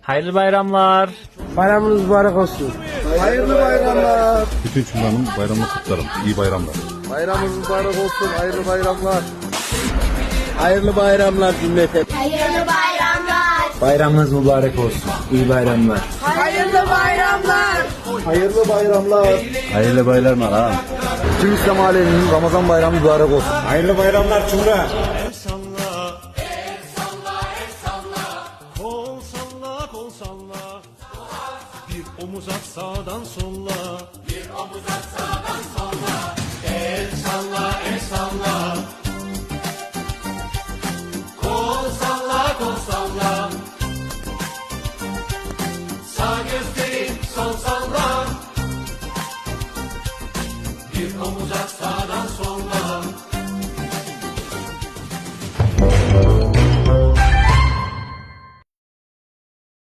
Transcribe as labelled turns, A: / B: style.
A: Hayırlı bayramlar.
B: Bayramınız mübarek olsun.
C: Hayırlı bayramlar.
D: Bütün cümlenin bayramını kutlarım. İyi bayramlar.
C: Bayramınız mübarek olsun. Hayırlı bayramlar. Hayırlı bayramlar cümlete.
E: Hayırlı bayramlar.
B: Bayramınız mübarek olsun. İyi bayramlar.
E: Hayırlı bayramlar.
C: Hayırlı bayramlar.
B: Hayırlı bayramlar ha.
C: Tüm İslam aleminin Ramazan bayramı mübarek olsun.
B: Hayırlı bayramlar Cumhur'a.
F: Kol salla, kol salla. Bir omuz at sağdan solla. Bir omuz at sağdan solla. El salla, el salla. Kol salla, kol salla. Sağ gösterin, sol salla. Bir omuz at sağdan solla.